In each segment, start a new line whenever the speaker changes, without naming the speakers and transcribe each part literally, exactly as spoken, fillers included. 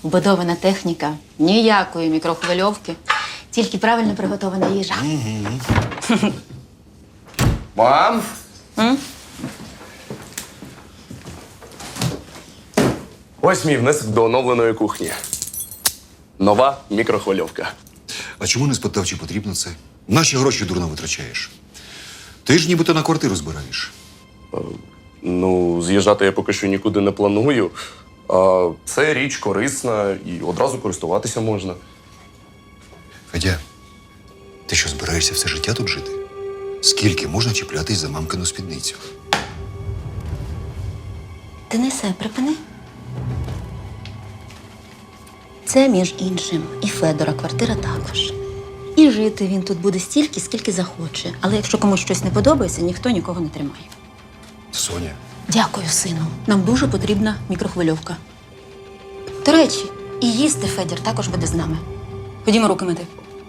вбудована техніка, ніякої мікрохвильовки, тільки правильно приготована їжа.
Мам!
М?
Ось мій внесок до оновленої кухні. Нова мікрохвильовка.
А чому не спитав, чи потрібно це? Наші гроші дурно витрачаєш. Ти ж нібито на квартиру збираєш.
Ну, з'їжджати я поки що нікуди не планую. А це річ корисна і одразу користуватися можна.
Федя, ти що, збираєшся все життя тут жити? Скільки можна чіплятись за мамкину спідницю?
Денисе, припини. Це, між іншим, і Федора квартира також. І жити він тут буде стільки, скільки захоче. Але якщо комусь щось не подобається, ніхто нікого не тримає.
Соня.
Дякую, сину. Нам дуже потрібна мікрохвильовка. До речі, і їсти Федір також буде з нами. Ходімо руки мити.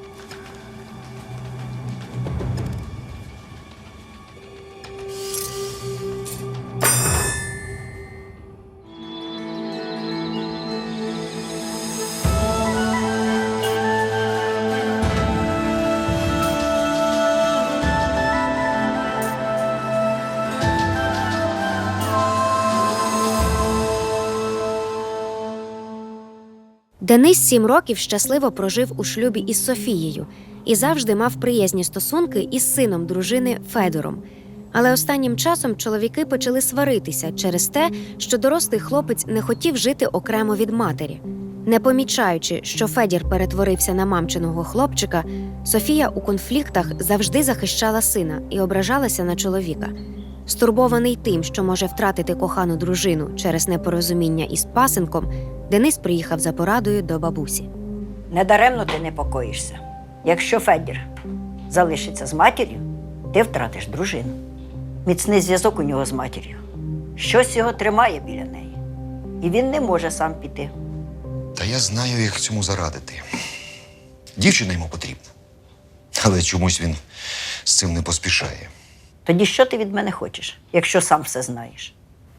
Денис сім років щасливо прожив у шлюбі із Софією і завжди мав приязні стосунки із сином дружини Федором. Але останнім часом чоловіки почали сваритися через те, що дорослий хлопець не хотів жити окремо від матері. Не помічаючи, що Федір перетворився на мамчиного хлопчика, Софія у конфліктах завжди захищала сина і ображалася на чоловіка. Стурбований тим, що може втратити кохану дружину через непорозуміння із пасенком, Денис приїхав за порадою до бабусі.
Недаремно ти непокоїшся. Якщо Федір залишиться з матір'ю, ти втратиш дружину. Міцний зв'язок у нього з матір'ю. Щось його тримає біля неї. І він не може сам піти.
Та я знаю, як цьому зарадити. Дівчина йому потрібна. Але чомусь він з цим не поспішає.
Тоді що ти від мене хочеш, якщо сам все знаєш?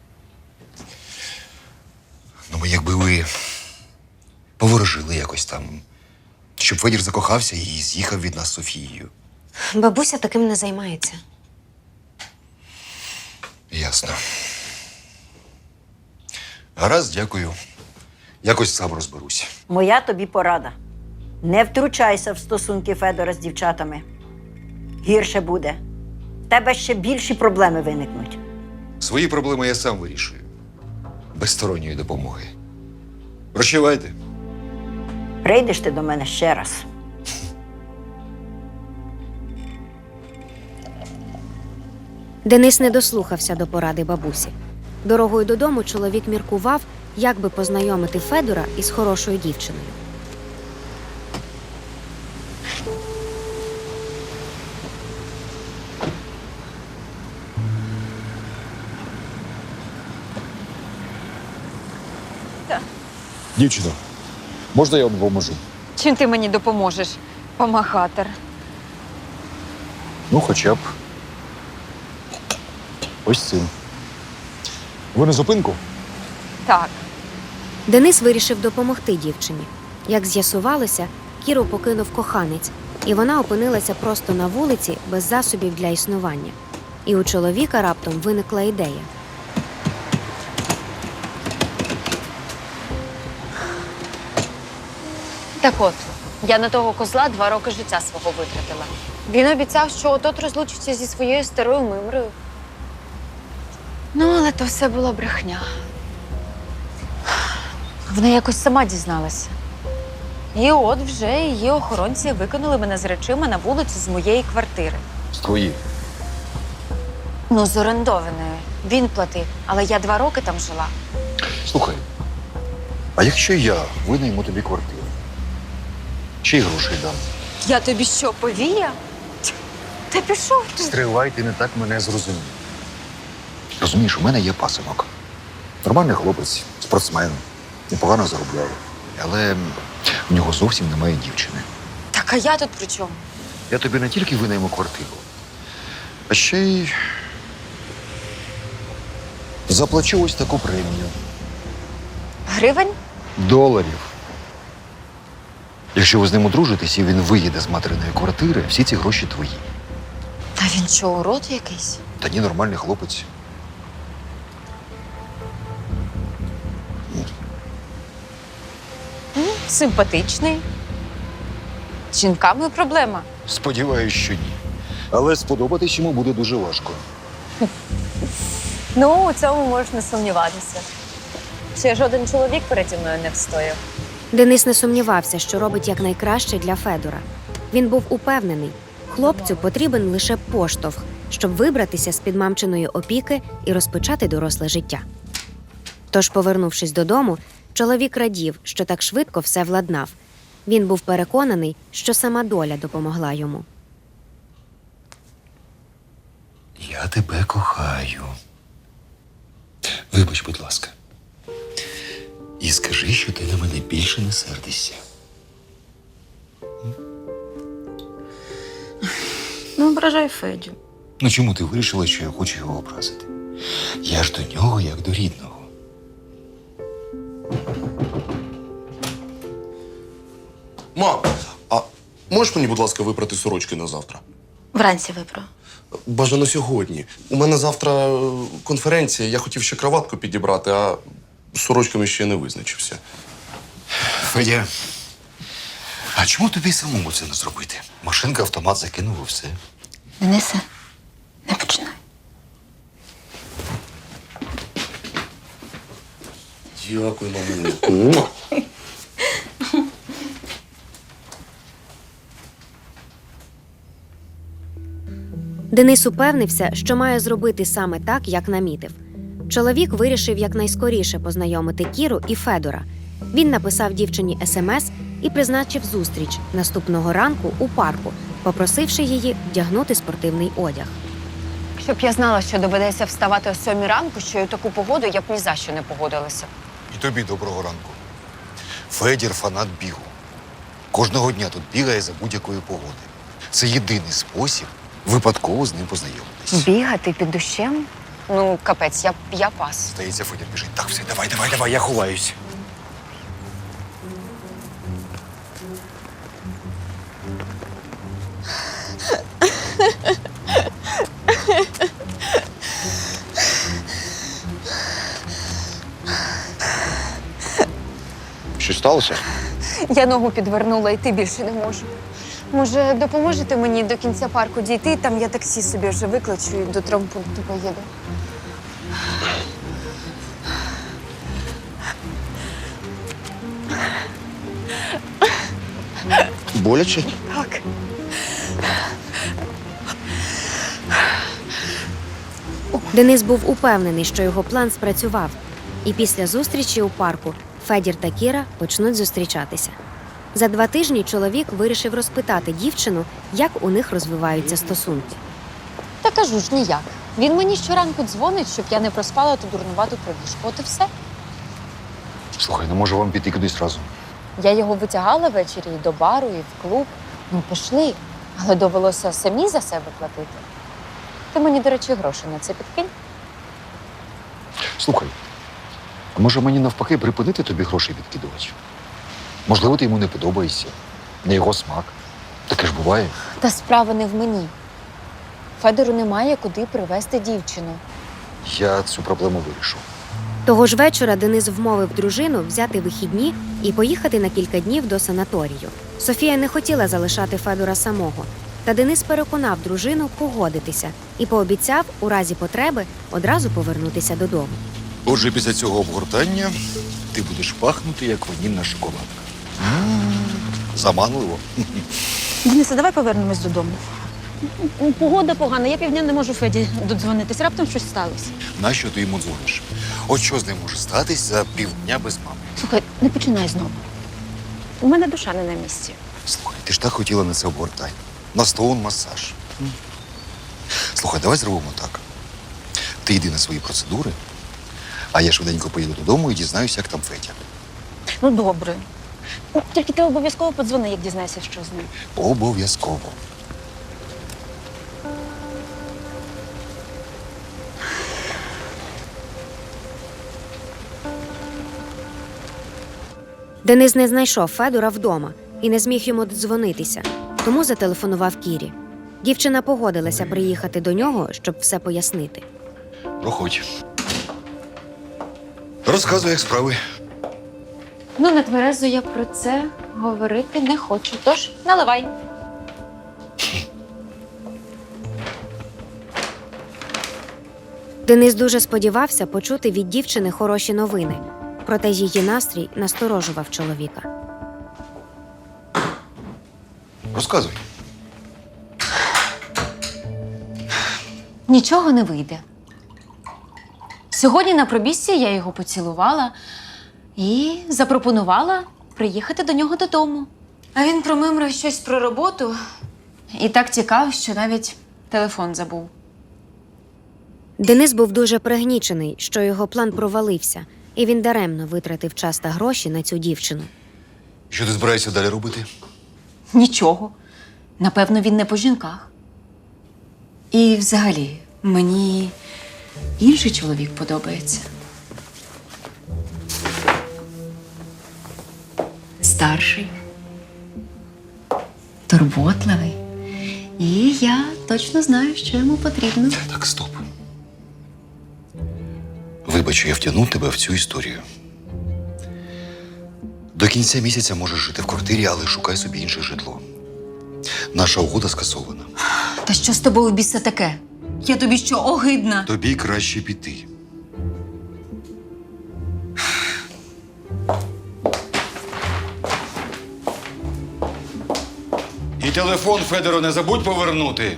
Ну, бо якби ви поворожили якось там, щоб Федір закохався і з'їхав від нас з Софією.
Бабуся таким не займається.
Ясно. Гаразд, дякую. Якось сам розберусь.
Моя тобі порада. Не втручайся в стосунки Федора з дівчатами. Гірше буде. В тебе ще більші проблеми виникнуть.
Свої проблеми я сам вирішую. Без сторонньої допомоги. Прощавайте.
Прийдеш ти до мене ще раз.
Денис не дослухався до поради бабусі. Дорогою додому чоловік міркував, як би познайомити Федора із хорошою дівчиною.
Дівчино, можна я вам допоможу?
Чим ти мені допоможеш, помахатер?
Ну, хоча б. Ось цим. Ви на зупинку?
Так.
Денис вирішив допомогти дівчині. Як з'ясувалося, Кіру покинув коханець, і вона опинилася просто на вулиці без засобів для існування. І у чоловіка раптом виникла ідея.
Так от, я на того козла два роки життя свого витратила. Він обіцяв, що от-от розлучиться зі своєю старою мимрою. Ну, але то все була брехня. Вона якось сама дізналася. І от вже її охоронці викинули мене з речима на вулицю з моєї квартири.
З твої.
Ну, з орендованої. Він платив, але я два роки там жила.
Слухай, а якщо я винайму тобі квартиру? Чи й грошей дам?
Я тобі що, повія? Та пішов ти.
Стривай, ти не так мене зрозумів. Розумієш, у мене є пасинок. Нормальний хлопець, спортсмен, непогано заробляє. Але в нього зовсім немає дівчини.
Так, а я тут при чому?
Я тобі не тільки винайму квартиру, а ще й заплачу ось таку премію.
Гривень?
Доларів. Якщо ви з ним одружитесь і він виїде з материної квартири, всі ці гроші твої.
Та він що, урод якийсь?
Та ні, нормальний хлопець.
Симпатичний. З жінками проблема.
Сподіваюсь, що ні. Але сподобатись йому буде дуже важко.
Ну, у цьому можеш не сумніватися. Ще жоден чоловік переді мною не встояв.
Денис не сумнівався, що робить якнайкраще для Федора. Він був упевнений, хлопцю потрібен лише поштовх, щоб вибратися з-під мамчиної опіки і розпочати доросле життя. Тож, повернувшись додому, чоловік радів, що так швидко все владнав. Він був переконаний, що сама доля допомогла йому.
Я тебе кохаю. Вибач, будь ласка. І скажи, що ти на мене більше не сердишся.
Не ображай Федю.
Ну чому ти вирішила, що я хочу його образити? Я ж до нього як до рідного.
Мам, а можеш мені, будь ласка, випрати сорочки на завтра?
Вранці випро.
Бажано сьогодні. У мене завтра е, конференція, я хотів ще краватку підібрати, а з сорочками ще не визначився.
Федя, а чому тобі самому це не зробити? Машинка, автомат закинув і все.
Денисе, не починай.
Дякую, мамулю.
Денис упевнився, що має зробити саме так, як намітив. Чоловік вирішив якнайскоріше познайомити Кіру і Федора. Він написав дівчині смс і призначив зустріч наступного ранку у парку, попросивши її вдягнути спортивний одяг.
Щоб я знала, що доведеться вставати о сьомій ранку, що й у таку погоду я б ні за що не погодилася.
І тобі доброго ранку. Федір – фанат бігу. Кожного дня тут бігає за будь-якої погоди. Це єдиний спосіб випадково з ним познайомитись.
Бігати під дощем? Ну, капець, я, я пас.
Здається, Федір біжить. Так, все, давай, давай, давай, я ховаюсь. Що сталося?
Я ногу підвернула, йти більше не можу. Може, допоможете мені до кінця парку дійти? Там я таксі собі вже викличу і до травмпункту поїду.
Боляче?
Так.
Денис був упевнений, що його план спрацював. І після зустрічі у парку Федір та Кіра почнуть зустрічатися. За два тижні чоловік вирішив розпитати дівчину, як у них розвиваються стосунки.
Та кажу ж ніяк. Він мені щоранку дзвонить, щоб я не проспала ту дурнувату пробіжку. От і все.
Слухай, ну може вам піти кудись разом?
Я його витягала ввечері і до бару, і в клуб. Ну, пішли. Але довелося самі за себе платити. Ти мені, до речі, гроші на це підкинь.
Слухай, а може мені навпаки припинити тобі грошей відкидувати? Можливо, ти йому не подобаєшся, не його смак. Таке ж буває.
Та справа не в мені. Федору немає куди привезти дівчину.
Я цю проблему вирішу.
Того ж вечора Денис вмовив дружину взяти вихідні і поїхати на кілька днів до санаторію. Софія не хотіла залишати Федора самого, та Денис переконав дружину погодитися і пообіцяв у разі потреби одразу повернутися додому.
Отже, після цього обгортання ти будеш пахнути, як ванільна шоколадка. М, Заманливо.
Денисе, давай повернемось додому. Погода погана, я півдня не можу Феді додзвонитись. Раптом щось сталося.
Нащо ти йому дзвониш? От що з ним може статись за півдня без мами?
Слухай, не починай знову. У мене душа не на місці.
Слухай, ти ж так хотіла на це обгортання. На стоун масаж. М. Слухай, давай зробимо так. Ти йди на свої процедури, а я швиденько поїду додому і дізнаюся, як там Федя.
Ну, добре. Ну, тільки ти обов'язково подзвони, як дізнаєшся, що з ним.
Обов'язково.
Денис не знайшов Федора вдома і не зміг йому додзвонитися, тому зателефонував Кірі. Дівчина погодилася приїхати до нього, щоб все пояснити.
Проходь. Розказуй, як справи.
Ну, на тверезо я про це говорити не хочу. Тож наливай.
Денис дуже сподівався почути від дівчини хороші новини, проте її настрій насторожував чоловіка.
Розказуй.
Нічого не вийде. Сьогодні на пробіжці я його поцілувала і запропонувала приїхати до нього додому. А він промимрив щось про роботу і так тікав, що навіть телефон забув.
Денис був дуже пригнічений, що його план провалився, і він даремно витратив час та гроші на цю дівчину.
Що ти збираєшся далі робити?
Нічого. Напевно, він не по жінках. І взагалі, мені інший чоловік подобається. Старший, турботливий. І я точно знаю, що йому потрібно.
Так, стоп. Вибач, що я втягнув тебе в цю історію. До кінця місяця можеш жити в квартирі, але шукай собі інше житло. Наша угода скасована.
Та що з тобою біса таке? Я тобі що, огидна?
Тобі краще піти. І телефон, Федору, не забудь повернути.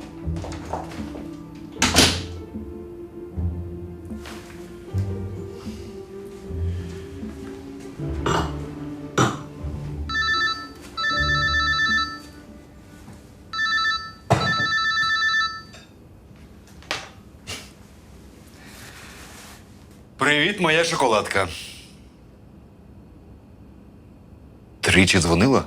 Привіт, моя шоколадка. Тричі дзвонила?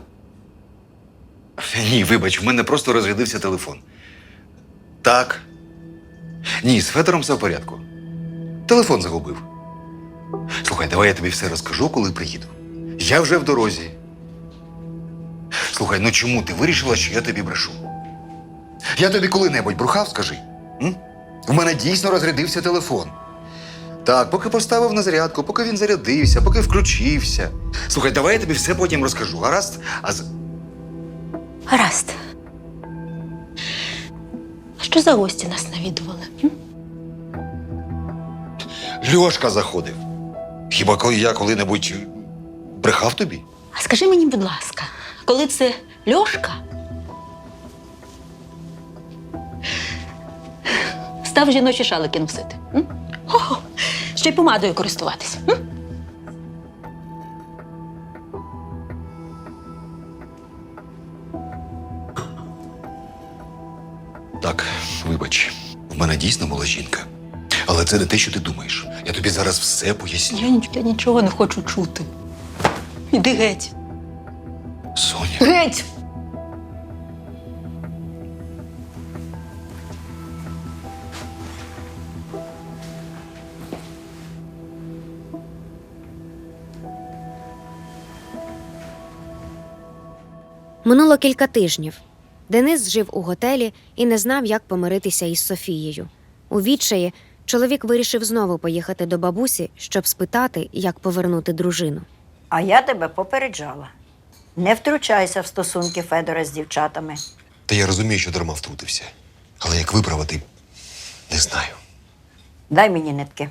Ні, вибач, в мене просто розрядився телефон. Так. Ні, з Федором все в порядку. Телефон загубив. Слухай, давай я тобі все розкажу, коли приїду. Я вже в дорозі. Слухай, ну чому ти вирішила, що я тобі брешу? Я тобі коли-небудь брехав, скажи? М? У мене дійсно розрядився телефон. Так, поки поставив на зарядку, поки він зарядився, поки включився. Слухай, давай я тобі все потім розкажу, гаразд? А з...
Гаразд. А що за гості нас навідували? М?
Льошка заходив. Хіба коли я коли-небудь брехав тобі?
А скажи мені, будь ласка, коли це Льошка став жіночі шалики носити? М? О, ще й помадою користуватися. М?
Так, вибач, в мене дійсно була жінка. Але це не те, що ти думаєш. Я тобі зараз все поясню.
Я, ніч- я нічого не хочу чути. Іди геть.
Соня.
Геть!
Минуло кілька тижнів. Денис жив у готелі і не знав, як помиритися із Софією. У відчаї чоловік вирішив знову поїхати до бабусі, щоб спитати, як повернути дружину.
А я тебе попереджала. Не втручайся в стосунки Федора з дівчатами.
Та я розумію, що дарма втрутився. Але як виправити, не знаю.
Дай мені нитки.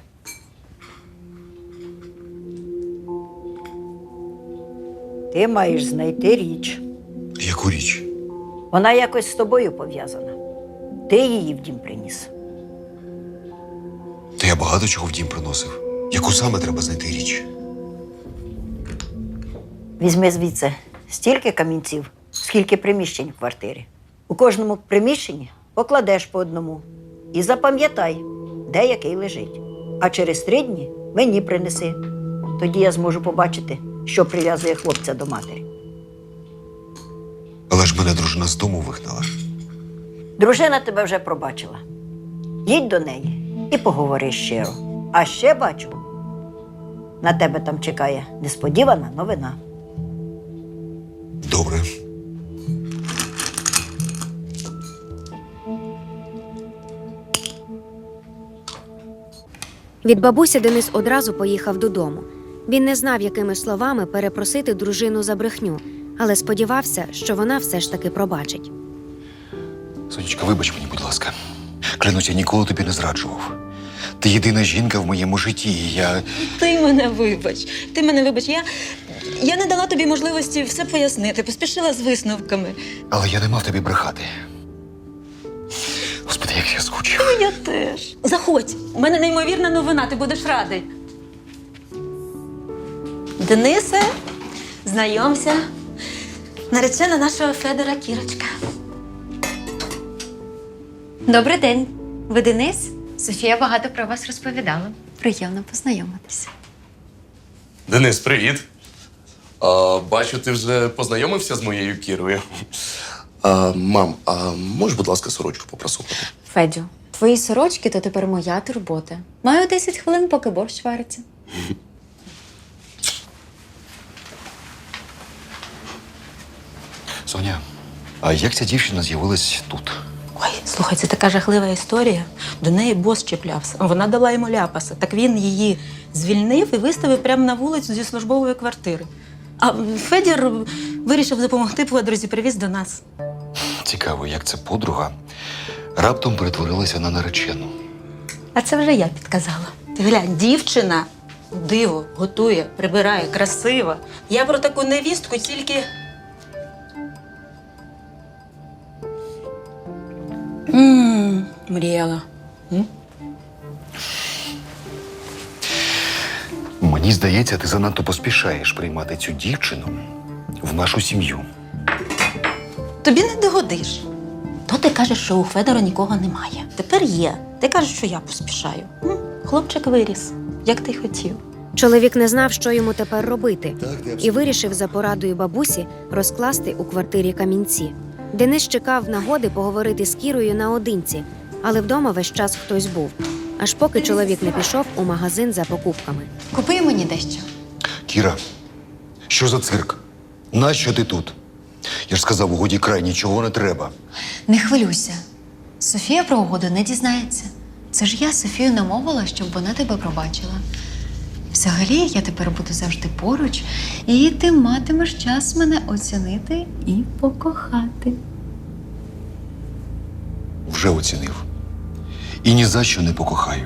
Ти маєш знайти річ.
Яку річ?
Вона якось з тобою пов'язана. Ти її в дім приніс.
Та я багато чого в дім приносив. Яку саме треба знайти річ?
Візьми звідси стільки камінців, скільки приміщень в квартирі. У кожному приміщенні покладеш по одному. І запам'ятай, де який лежить. А через три дні мені принеси. Тоді я зможу побачити, що прив'язує хлопця до матері.
Але ж мене дружина з дому вигнала.
Дружина тебе вже пробачила. Їдь до неї і поговори щиро. А ще бачу, На тебе там чекає несподівана новина.
Добре.
Від бабусі Денис одразу поїхав додому. Він не знав, якими словами перепросити дружину за брехню, але сподівався, що вона все ж таки пробачить.
Сонечка, вибач мені, будь ласка. Клянусь, я ніколи тобі не зраджував. Ти єдина жінка в моєму житті, і я.
Ти мене вибач. Ти мене вибач. Я, я не дала тобі можливості все пояснити, поспішила з висновками.
Але я не мав тобі брехати. Господи, як я скучив.
Я теж. Заходь, у мене неймовірна новина, ти будеш радий. Денисе, знайомся. Наречена нашого Федора Кірочка.
Добрий день. Ви Денис? Софія багато про вас розповідала. Приємно познайомитися.
Денис, привіт. А, бачу, ти вже познайомився з моєю Кірою. А, мам, а можеш, будь ласка, сорочку попросувати?
Федю, твої сорочки то тепер моя турбота. Маю десять хвилин, поки борщ вариться.
Соня, а як ця дівчина з'явилась тут?
Ой, слухай, це така жахлива історія. До неї бос чіплявся. Вона дала йому ляпаса. Так він її звільнив і виставив прямо на вулицю зі службової квартири. А Федір вирішив допомогти подрузі, привіз до нас.
Цікаво, як ця подруга раптом перетворилася на наречену.
А це вже я підказала. Ти глянь, дівчина диво, готує, прибирає, красива. Я про таку невістку тільки. Ммм, мріяла. М?
Мені здається, ти занадто поспішаєш приймати цю дівчину в нашу сім'ю.
Тобі не догодиш. То ти кажеш, що у Федора нікого немає. Тепер є. Ти кажеш, що я поспішаю. М? Хлопчик виріс, як ти й хотів.
Чоловік не знав, що йому тепер робити, і вирішив за порадою бабусі розкласти у квартирі камінці. Денис чекав нагоди поговорити з Кірою наодинці, але вдома весь час хтось був, аж поки чоловік не пішов у магазин за покупками.
Купи мені дещо.
Кіра, що за цирк? Нащо ти тут? Я ж сказав, у годі край, нічого не треба.
Не хвилюйся. Софія про угоду не дізнається. Це ж я Софію намовила, щоб вона тебе пробачила. Взагалі, я тепер буду завжди поруч, і ти матимеш час мене оцінити і покохати.
Вже оцінив. І ні за що не покохаю.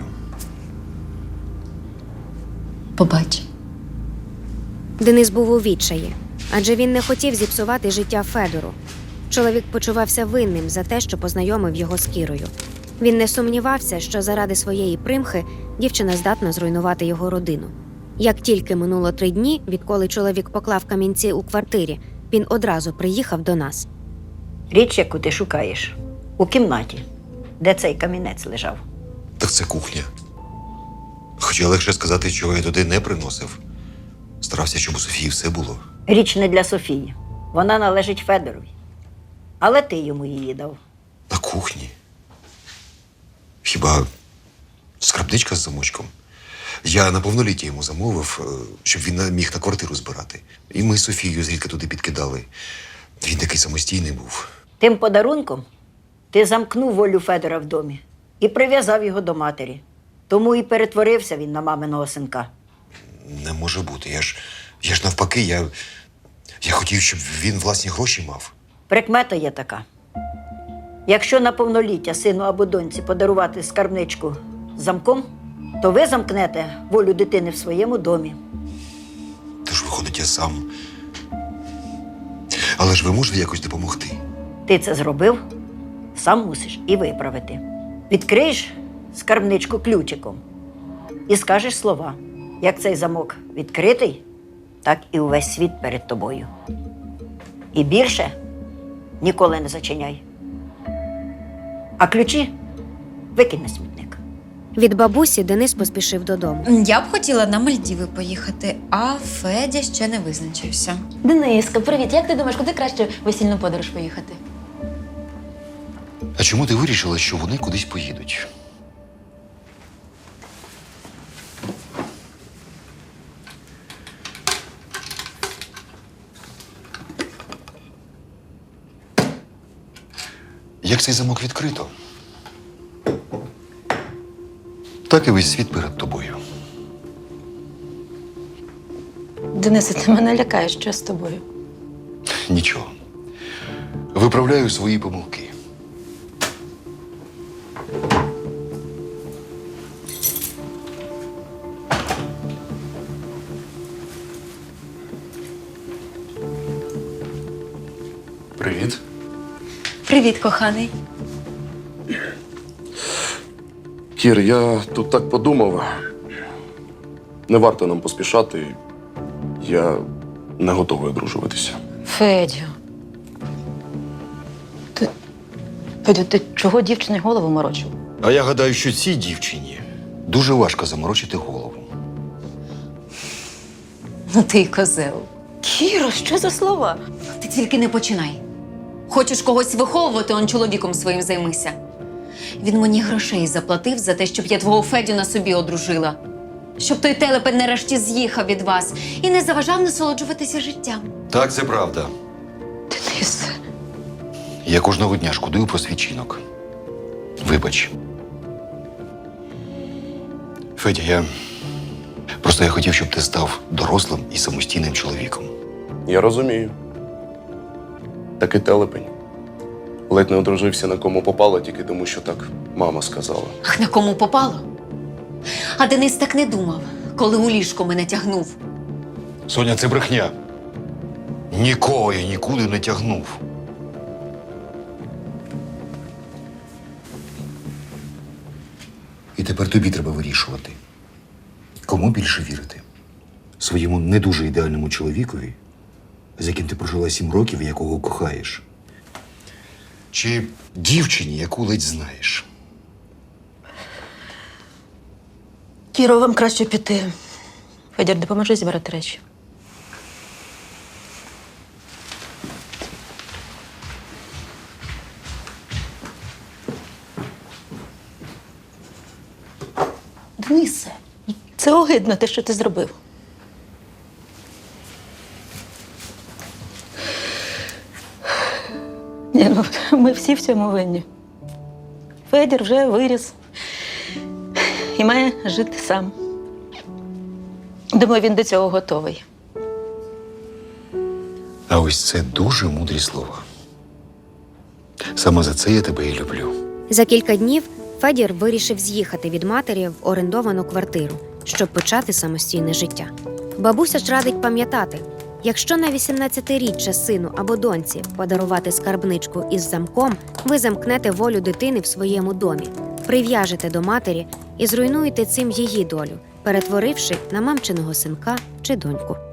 Побач.
Денис був у відчаї, адже він не хотів зіпсувати життя Федору. Чоловік почувався винним за те, що познайомив його з Кірою. Він не сумнівався, що заради своєї примхи дівчина здатна зруйнувати його родину. Як тільки минуло три дні, відколи чоловік поклав камінці у квартирі, він одразу приїхав до нас.
Річ, яку ти шукаєш, у кімнаті, де цей камінець лежав.
Так це кухня. Хоча легше сказати, чого я туди не приносив. Старався, щоб у Софії все було.
Річ не для Софії. Вона належить Федорові. Але ти йому її дав.
На кухні. Хіба скарбничка з замочком? Я на повноліття йому замовив, е, щоб він міг на квартиру збирати. І ми з Софією зрідка туди підкидали. Він такий самостійний був.
Тим подарунком ти замкнув волю Федора в домі і прив'язав його до матері. Тому і перетворився він на маминого синка.
Не може бути. Я ж, я ж навпаки, я, я хотів, щоб він власні гроші мав.
Прикмета є така. Якщо на повноліття сину або доньці подарувати скарбничку з замком, то ви замкнете волю дитини в своєму домі.
Тож, виходить, я сам. Але ж ви можете якось допомогти?
Ти це зробив, сам мусиш і виправити. Відкриєш скарбничку ключиком і скажеш слова. Як цей замок відкритий, так і увесь світ перед тобою. І більше ніколи не зачиняй. А ключі викинь на смітник.
Від бабусі Денис поспішив додому.
Я б хотіла на Мальдіви поїхати, а Федя ще не визначився.
Дениска, привіт. Як ти думаєш, куди краще в весільну подорож поїхати?
А чому ти вирішила, що вони кудись поїдуть?
Як цей замок відкрито, так і весь світ перед тобою.
Денисе, ти мене лякаєш, що з тобою?
Нічого. Виправляю свої помилки.
Привіт.
Привіт, коханий.
Кір, я тут так подумав. Не варто нам поспішати. Я не готовий одружуватися.
Федю. Ти. Федю, ти чого дівчині голову морочив?
А я гадаю, що цій дівчині дуже важко заморочити голову.
Ну ти й козел.
Кіро, що за слова?
Ти тільки не починай. Хочеш когось виховувати, он чоловіком своїм займися. Він мені грошей заплатив за те, щоб я твого Федю на собі одружила. Щоб той телепень нарешті з'їхав від вас і не заважав насолоджуватися життям.
Так, це правда.
Денисе.
Я кожного дня шкодую про свій чинок. Вибач. Федя, я. Просто я хотів, щоб ти став дорослим і самостійним чоловіком.
Я розумію. Такий телепень. Ледь не одружився на кому попало, тільки тому, що так мама сказала.
Ах, на кому попало? А Денис так не думав, коли у ліжко мене тягнув.
Соня, це брехня. Нікого я нікуди не тягнув. І тепер тобі треба вирішувати, кому більше вірити. Своєму не дуже ідеальному чоловікові, з яким ти прожила сім років і якого кохаєш. Чи дівчині, яку ледь знаєш.
Кіро, вам краще піти. Федір, допоможи зібрати речі. Денисе, це огидно, те, що ти зробив. Ні, ну, ми всі в цьому винні. Федір вже виріс і має жити сам. Думаю, він до цього готовий.
А ось це дуже мудрі слова. Саме за це я тебе і люблю.
За кілька днів Федір вирішив з'їхати від матері в орендовану квартиру, щоб почати самостійне життя. Бабуся ж радить пам'ятати, якщо на вісімнадцятиріччя сину або доньці подарувати скарбничку із замком, ви замкнете волю дитини в своєму домі, прив'яжете до матері і зруйнуєте цим її долю, перетворивши на мамчиного синка чи доньку.